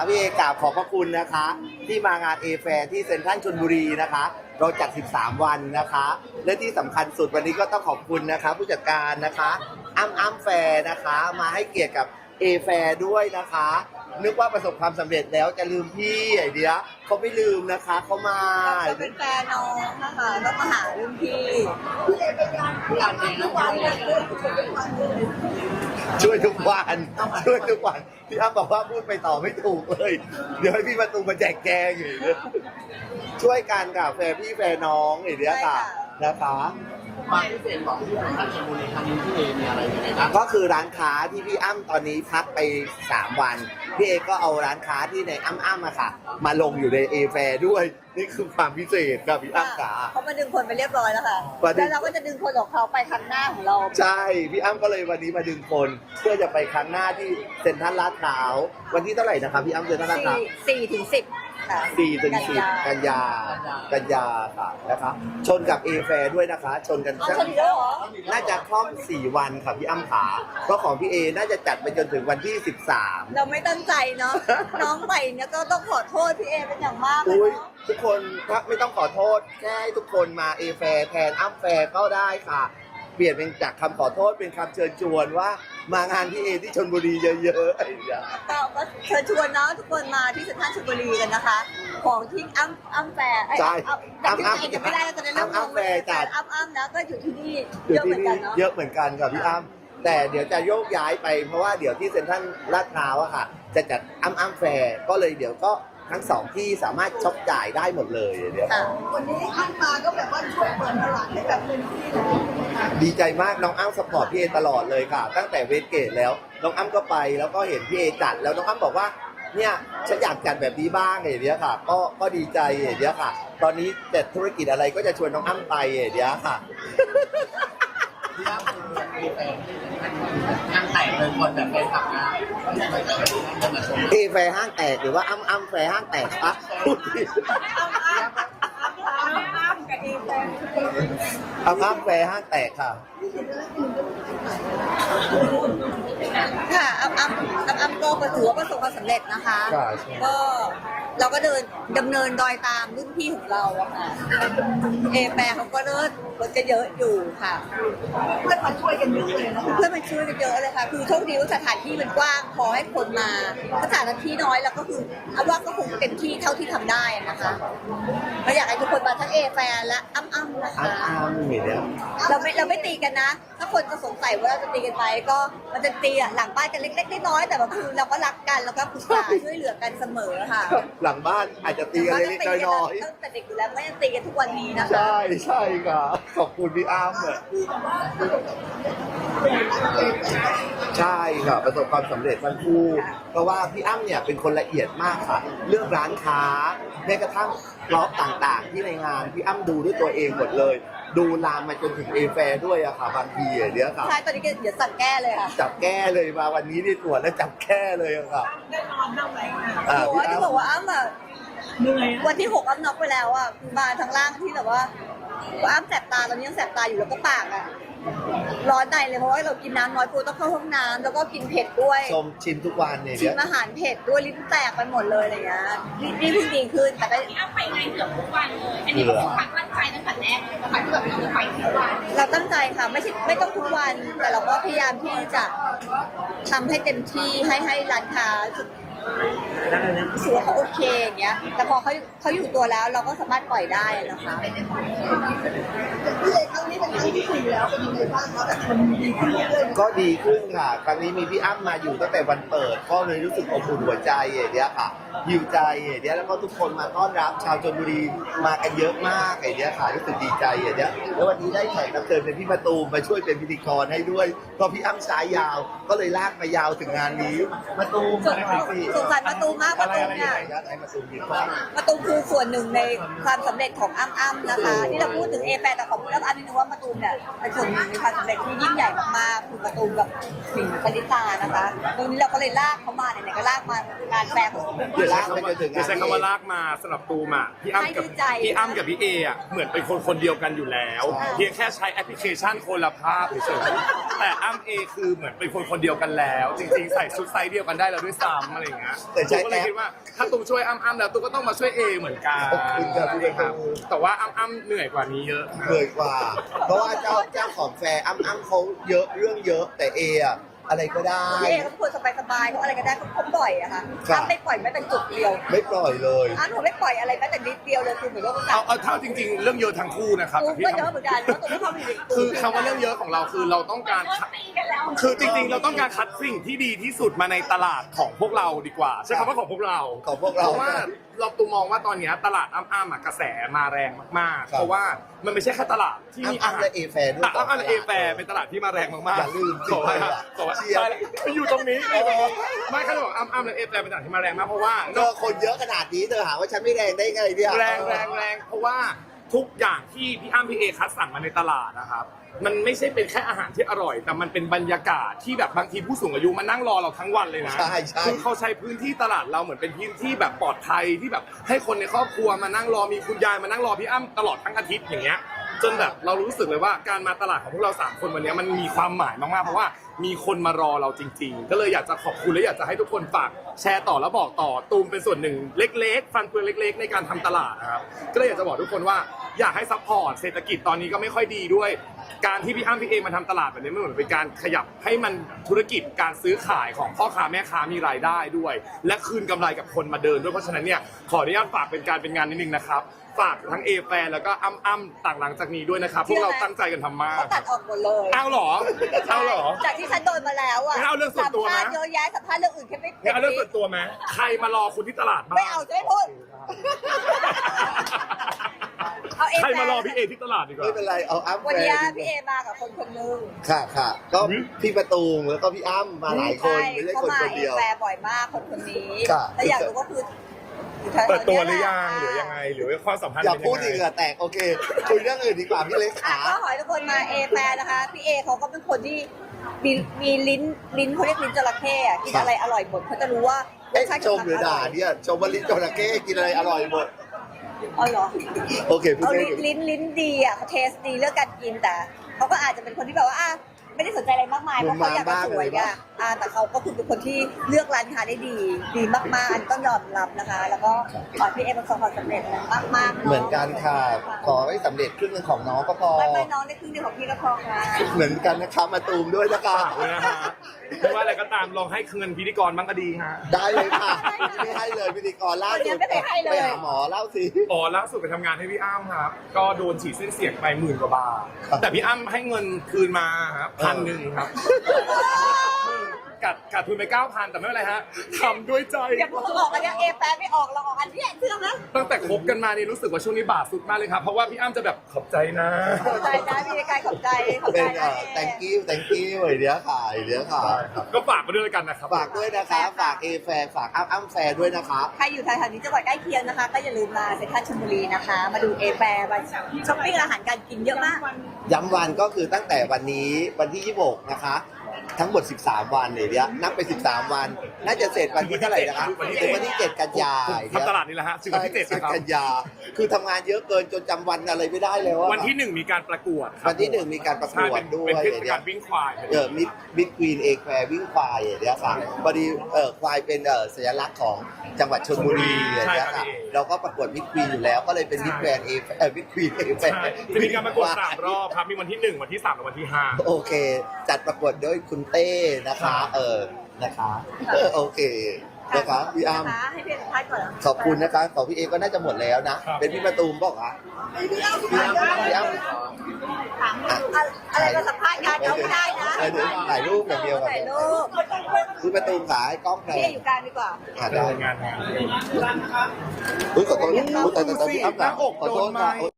พี่เอกราบขอบพระคุณนะคะที่มางานเอแฟร์ที่เซ็นทรัลชลบุรีนะคะเราจัด 13 วันนะคะและที่สำคัญสุดวันนี้ก็ต้องขอบคุณนะคะผู้จัดการนะคะอ้ำแฟร์นะคะมาให้เกียรติกับเอแฟร์ด้วยนะคะนึกว่าประสบความสำเร็จแล้วจะลืมพี่ไอเดียเขาไม่ลืมนะคะเขามาเราเป็นแฟนน้องนะคะก็มาหารุ่นพี่ช่วยทุกวันช่วยทุกวันพี่อ้ำบอกว่าพูดไปต่อไม่ถูกเลยเดี๋ยวให้พี่ประตูมาแจกแจงอยู่ช่วยกันกับแฟร์พี่แฟร์น้องไอเดียค่ะนะคะความพิเศษของที่ท่านชลบุรีครั้งนี้พี่เอมีอะไรยังไงบ้างก็คือร้านค้าที่พี่อ้ำตอนนี้พักไป3 วันพี่เอก็เอาร้านค้าที่ในอ้ำอะค่ะมาลงอยู่ในเอแฟร์ด้วยนี่คือความพิเศษครับพี่อ้ำขาเขามาดึงคนไปเรียบร้อยแล้วค่ะแล้วเราก็จะดึงคนของเขาไปครั้งหน้าของเราใช่พี่อ้ำก็เลยวันนี้มาดึงคนเพื่อจะไปครั้งหน้าที่เซ็นทรัลลาดพร้าววันที่เท่าไหร่นะครับพี่อ้ำเซ็นทรัลลาดพร้าว 4 ถึง 10 4 ถึง 10 กันยาค่ะนะคะชนกับเอแฟร์ด้วยนะคะชนกันน่าจะคล่อม4 วันค่ะพี่อ้ำขาเพราะของพี่เอน่าจะจัดไปจนถึงวันที่13 เราไม่ตั้งใจเนาะน้องใหม่เนี่ยก็ต้องขอโทษพี่เอเป็นอย่างมากเลยเนาะทุกคนไม่ต้องขอโทษแค่ให้ทุกคนมาเอแฟร์แทนอ้ำแฟร์ก็ได้ค่ะเปลี่ยนเป็นจากคำขอโทษเป็นคำเชิญชวนว่ามางานที่เอที่ชลบุรีเยอะๆไอ้เนี้ยก็เชิญชวนเนาะทุกคนมาที่เซ็นทรัลชลบุรีกันนะคะของที่อ้ำแฟร์ใช่อ้ำไม่ได้ก็จะเริ่มอ้ำแฟร์จัดอ้ำนะก็อยู่ที่นี่เยอะเหมือนกันเนาะเยอะเหมือนกันกับพี่อ้ำแต่เดี๋ยวจะโยกย้ายไปเพราะว่าเดี๋ยวที่เซ็นทรัลลาดพร้าวอะค่ะจะจัดอ้ำแฟร์ก็เลยเดี๋ยวก็ทั้ง2ที่สามารถช็อปจ่ายได้หมดเลยเดี๋ยววันนี้อ้ำมาก็แบบว่าช่วยเปิดตลาดให้แบบเต็มที่เลยดีใจมากน้องอ้ำสปอร์ตพี่เอตลอดเลยค่ะตั้งแต่เวสเกตแล้วน้องอ้ำก็ไปแล้วก็เห็นพี่เอจัดแล้วน้องอ้ำบอกว่าเนี่ยฉันอยากจัดแบบนี้บ้างไอ้เนี้ยค่ะก็ดีใจไอ้เนี้ยค่ะตอนนี้แต่ธุรกิจอะไรก็จะชวนน้องอ้ำไปไอ้เนี้ยค่ะที่อ้ำมีแฟนงานแต่งเลยคนแบบเป็นขับงานเอแฟร์ห้างแตกหรือว่าอ้ำแฟร์ห้างแตกคะพูดผิดอ้ำแฟร์ห้างแตกค่ะค่ะอ้ำก็ถือว่าประสบความสำเร็จนะคะก็เราก็ดำเนินรอยตามรุ่นพี่ของเราอะค่ะเอแปรเขาก็เลิศรถจะเยอะอยู่ค่ะเพื่อนมาช่วยกันเยอะเลยนะคะเพื่อนมาช่วยกันเยอะเลยค่ะคือโชคดีว่าสถานที่มันกว้างพอให้คนมาสถานที่น้อยแล้วก็คือเอาว่าก็คงเต็มที่เท่าที่ทำได้นะคะเราอยากให้ทุกคนมาทั้งเอแปรและอ้ำนะคะเราไม่ตีกันนะถ้าคนจะสงสัยว่าเราจะตีกันไหมก็มันจะตีหลังบ้านกันเล็กๆน้อยๆแต่ว่าคือเราก็รักกันแล้วก็ปรึกษาช่วยเหลือกันเสมอค่ะหลังบ้านอาจจะตีกันเล็กๆน้อยๆตั้งแต่เด็กอยู่แล้วไม่ยังตีกันทุกวันนี้นะคะใช่ค่ะขอบคุณพี่อ้ำใช่ค่ะประสบความสำเร็จทั้งคู่เพราะว่าพี่อ้ำเนี่ยเป็นคนละเอียดมากค่ะเรื่องร้านค้าแม้กระทั่งล็อกต่างๆที่ในงานพี่อ้ำดูด้วยตัวเองหมดเลยดูลามมาจนถึงเอแฟร์ด้วยอะค่ะบางทีเดี๋ยวค่ะใช่ตอนนี้เดี๋ยวสั่งแก้เลยค่ะจับแก้เลยมาวันนี้ที่ตรวจแล้วจับแก้เลยอะค่ะได้นอนบ้างไหมที่บอกว่าอ้ำอะวันที่6อ้ำน็อกไปแล้วอะมาทางล่างที่แบบว่าอ้ำแสบตาตอนนี้ยังแสบตาอยู่แล้วก็ปากอะร้อนในเลยเพราะว่าเรากินน้ำน้อยปูต้องเข้าห้องน้ำแล้วก็กินเผ็ดด้วยชมชิมทุกวันเนี่ยชิมอาหารเผ็ดด้วยลิ้นแตกไปหมดเลยอะไรเงี้ยนี่เพิ่งดีขึ้นแต่ก็อ้ำไปไงเกือบทุกวันเลยอันนี้ก็คือความตั้งใจตั้งแต่แรกเลยค่ะที่แบบเราจะไปทุกวันเราตั้งใจค่ะไม่ต้องทุกวันแต่เราก็พยายามที่จะทำให้เต็มที่ให้ร้านค้ารู้สึกว่าเขาโอเคอย่างเงี้ยแต่พอเขาอยู่ตัวแล้วเราก็สามารถปล่อยได้นะคะพี่เอกครั้งนี้เป็นครั้งที่4แล้วเป็นยังไงบ้างคะแบบมันดีขึ้นเรื่อยๆก็ดีขึ้นค่ะครั้งนี้มีพี่อ้ำมาอยู่ตั้งแต่วันเปิดก็เลยรู้สึกอบอุ่นหัวใจอย่างเงี้ยค่ะหิวใจอย่างเงี้ยแล้วก็ทุกคนมาต้อนรับชาวชลบุรีมากันเยอะมากอย่างเงี้ยค่ะรู้สึกดีใจอย่างเงี้ยแล้ววันนี้ได้แขกรับเชิญเป็นพี่มะตูมมาช่วยเป็นพิธีกรให้ด้วยเพราะพี่อ้ำสายยาวก็เลยลากมายาวถึงงานนี้มะตูมสงสารมะตูมมากมะตูมเนี่ยมะตูมคือส่วนหนึ่งในความสำเร็จของอ้ำนะคะที่เราพูดถึงเอแปรแต่ขอพูดอ้ำนิดนึงว่ามะตูมเนี่ยเป็นส่วนหนึ่งในความสำเร็จที่ยิ่งใหญ่มากๆคือมะตูมกับสิงห์ปณิตานะคะตรงนี้เราก็เลยลากเขามาไหนๆก็ลากมางานแปรของลากไปจนถึงไม่ใช่คำว่าลากมาสำหรับตูมอ่ะพี่อ้ำกับพี่เออ่ะเหมือนเป็นคนเดียวกันอยู่แล้วเพียงแค่ใช้แอปพลิเคชันคนละภาพเฉยๆแต่อ้ำเอคือเหมือนเป็นคนเดียวกันแล้วจริงๆใส่ชุดไซส์เดียวกันได้แล้วด้วยซ้ำอะไรอย่างเงี้ยงี้ยแต่ใช้ตูก็เลยแอปคิดว่าถ้าตูช่วยอ้ำแล้วตูก็ต้องมาช่วยเอเหมือนกันขอบคุณครับพี่ตูแต่ว่าอ้ำเหนื่อยกว่านี้เยอะเหนื่อยกว่า เพราะว่าเจ้าของแฟร์อ้ำเขาเยอะเรื่องเยอะแต่เออะอะไรก็ได้พี่เอเขาเป็นคนสบายๆเขาอะไรก็ได้เขาปล่อยอะค่ะครับอ้ำไม่ปล่อยแม้แต่จุดเดียวไม่ปล่อยเลยอ้ำหนูไม่ปล่อยอะไรแม้แต่นิดเดียวเลยคือเหมือนว่าเอาเท่าจริง ๆ เรื่องเยอะทั้งคู่นะครับตูแต่พี่ก็เยอะเหมือนกันเพราะตูไม่ทำอยู่ในตูคือคำว่าเรื่องเยอะของเราคือเราต้องการตีกันแล้วคือจริงๆ เราต้องการคัดสิ่งที่ดีที่สุดมาในตลาดของพวกเราดีกว่าใช้คำว่าของพวกเราของพวกเราเพราะว่าเราตูมองว่าตอนเนี้ยตลาดอ้ำๆอะกระแสมาแรงมากๆครับเพราะว่ามันไม่ใช่แค่ตลาดที่มีอาอ้ำหารและเอแฟร์ด้วยอ้ำและเอแฟร์เป็นตลาดที่มาแรงมากๆอย่าลืมสิบอกว่าบอกว่าเชียร์ไปอยู่ตรงนี้ไม่เขาจะบอกอ้ำและเอแฟร์เป็นตลาดที่มาแรงมากเพราะว่าเธอคนเยอะขนาดนี้เธอหาว่าฉันไม่แรงได้ไงเนี่ยแรงเพราะว่าทุกอย่างที่พี่อ้ำพี่เอคัดสั่งมาในตลาดนะครับมันไม่ใช่เป็นแค่อาหารที่อร่อย แต่มันเป็นบรรยากาศที่แบบบางทีผู้สูงอายุมานั่งรอเราทั้งวันเลยนะใช่ใช่คือเขาใช้พื้นที่ตลาดเราเหมือนเป็นพื้นที่แบบปลอดภัยที่แบบให้คนในครอบครัวมานั่งรอมีคุณยายมานั่งรอพี่อ้ำตลอดทั้งอาทิตย์อย่างเงี้ยจนแบบเรารู้สึกเลยว่าการมาตลาดของพวกเรา3คนวันนี้มันมีความหมายมากๆเพราะว่ามีคนมารอเราจริง ๆ ก็เลยอยากจะขอบคุณและอยากจะให้ทุกคนฝากแชร์ต่อแล้วบอกต่อตูมเป็นส่วนหนึ่งเล็กๆฟันเฟืองเล็ก ๆ ในการทำตลาดนะครับก็เลยอยากจะบอกทุกคนว่าอยากให้ซัพพอร์ตเศรษฐกิจตอนนี้ก็ไม่ค่อยดีด้วยการที่พี่อ้ำพี่เอมาทำตลาดแบบนี้มันเหมือนเป็นการขยับให้มันธุรกิจการซื้อขายของพ่อค้าแม่ค้ามีรายได้ด้วย และคืนกำไรกับคนมาเดินด้วยเพราะฉะนั้นเนี่ยขออนุญาตฝากเป็นการเป็นงานนิดนึงนะครับฝากทั้งเอแฟนแล้วก็อ้ำต่างหลังจากนี้ด้วยนะครับพวกเราตั้งใจกันทำมากเขาตัดออกหมดเลยเอาเหรอเอาเหรอจากที่ฉันโดนมาแล้วอะงั้นเอาเรื่องส่วนตัวนะสัมภาษณ์เยอะแยะสัมภาษณ์เรื่องอื่นแค่ไม่งั้นเอาเรื่องส่วนตัวไหมใครมารอคุณที่ตลาดบ้างไม่เอาจะไม่พูด เอาเอใครแฟมารอพี่เอที่ตลาดดีกว่าไม่เป็นไรเอาอ้ำวันแฟนี้ร์พี่เอมากับคนคนหนึงค่ะค่ะก็พี่ประตูงแล้วก็พี่อ้ำมาหลายคนไม่ใช่เขาคนมาคนเอเดียวแฟร์บ่อยมากคนคนนี้ค่ะแล้วอยากรู้ก็คืออยู่แถๆเปิดตัวหนี้รือแะยังหรือยังไงหรือว่าความสัมพันธ์อย่าเป็นพูดยังอีกไงเหงื่อแตกโอเคคุยเรื่องอื่นดีกว่าพี่เล็กอ่ะขาก็ขอให้ทุกคนมาเอแฟร์นะคะ พี่เอเขาก็เป็นคนที่มีลิ้นเขาเรียกลิ้นจระเข้อะกินอะไรอร่อยหมดเขาจะรู้ว่ารเอ๊ะสชาติชมหรือด่าเนี่ยชมว่าลิ้นจระเข้กินอะไรอร่อยหมดอ๋อเหรอโอเคพูดเอาได้ลิ้นดีอ่ะเขาเทสดีเรื่องการกินแต่เขาก็อาจจะเป็นคนที่แบบว่าไม่ได้สนใจอะไรมากมายเพราะเขาอยากจะสวยอ่ะแต่เขาก็คือเป็นคนที่เลือกร้านค้าได้ดีมากๆอันต้องยอมรับนะคะ แล้วก็ขอพี่เอประสบความสำเร็จมากๆเหมือนกันค่ะขอให้สำเร็จครึ่งหนึงของน้องก็พอไม่น้องได้ครึ่งเดียวของพี่ก็พอค่ะเหมือนกันนะคะมาตูมด้วยนะคะฝากด้วยนะฮะไม่ว่าอะไรก็ตามลองให้เงินพิธีกรบ้างก็ดีฮะได้เลยค่ะไม่ให้เลยพิธีกรล่าสุดไปหาหมอเล่าสิอ๋อล่าสุดไปทำงานให้พี่อ้ำครับ ก็โดนฉีดเส้นเสียงไป10,000 กว่าบาทครับแต่พี่อ้ำให้เงินคืนมาครับ1,000ครับกัดทุนไป 9,000 แต่ไม่เป็นไรฮะทำด้วยใจเดี๋ยวผมออกอันนี้เอแฟไม่ออกเราออกอันนี้เชื่อไหมตั้งแต่คบกันมานี่รู้สึกว่าช่วงนี้บาทสุดมากเลยครับ เพราะว่าพี่อ้ำจะแบบขอบใจนะขอบใจนะพี่กายขอบใจเป็นนะ thank you ไอเดียค่ะไอเดียค่ะก็ฝากมาด้วยกันนะครับฝากด้วยนะคะ ฝากเอแฟร์ฝากอ้ำแฟร์ด้วยนะคะใครอยู่แถวๆนี้จังหวัดใกล้เคียงนะคะ ก็อย่าลืมมาเซ็นทรัลชลบุรีนะคะ มาดูเอแฟมาช้อปปิ้งอาหารการกินเยอะมากย้ำวันก็คือตั้งแต่วันนี้วันที่ 26 นะคะ ทั้งหมด 13 วันเนี่ยเดียวนับไป 13 วัน น่าจะเสร็จวันที่เท่าไหร่นะคะถึงวันที่ 7 กันยาทำตลาดนี่แหละฮะถึงวันที่7นะครับกันยา คือทำงานเยอะเกินจนจำวันอะไรไม่ได้แล้วอะวันที่ 1 มีการประกวดครับวันที่ 1 มีการประกใช่วดเป็นด้วยเป็นเทศเดี๋กาย ลววิ่งควายมิดควีนเอแควร์วิ่งควายเดี๋ยวค่ะพอดีควายเป็นสัญลักษณ์ของจังหวัดชลบุรีเดี๋ยวค่ะเราก็ประกวดมิดควีนอยู่แล้วก็เลยเป็นมิดแกรนเอมิดควีนเอแควใช่ร์จะมีการประกวด3 รอบครับ มีวันที่ 1 วันที่ 3 และวันที่ 5 โอเค จัดประกวดโดยคุณเต้นะคะนะคะโอเคนะคะพี่อ้ำให้พี่สัมภาษณ์ก่อนขอบคุณนะคะของพี่เอก็น่าจะหมดแล้วนะ เป็นพี่ประตูมบอกอ่ะพี่อ้ำพี่อ้ำถามอะไรมาสัมภาษณ์งานเขาไม่ได้นะเดี๋ยวถ่ายรูปอย่างเดียวกับถ่ายรูปพี่ประตูมขาให้กล้องแพพี่งอยู่กลางดีกว่าได้งานอุ้ยขอโทษแต่พี่อ้ำขอโทษค่ะ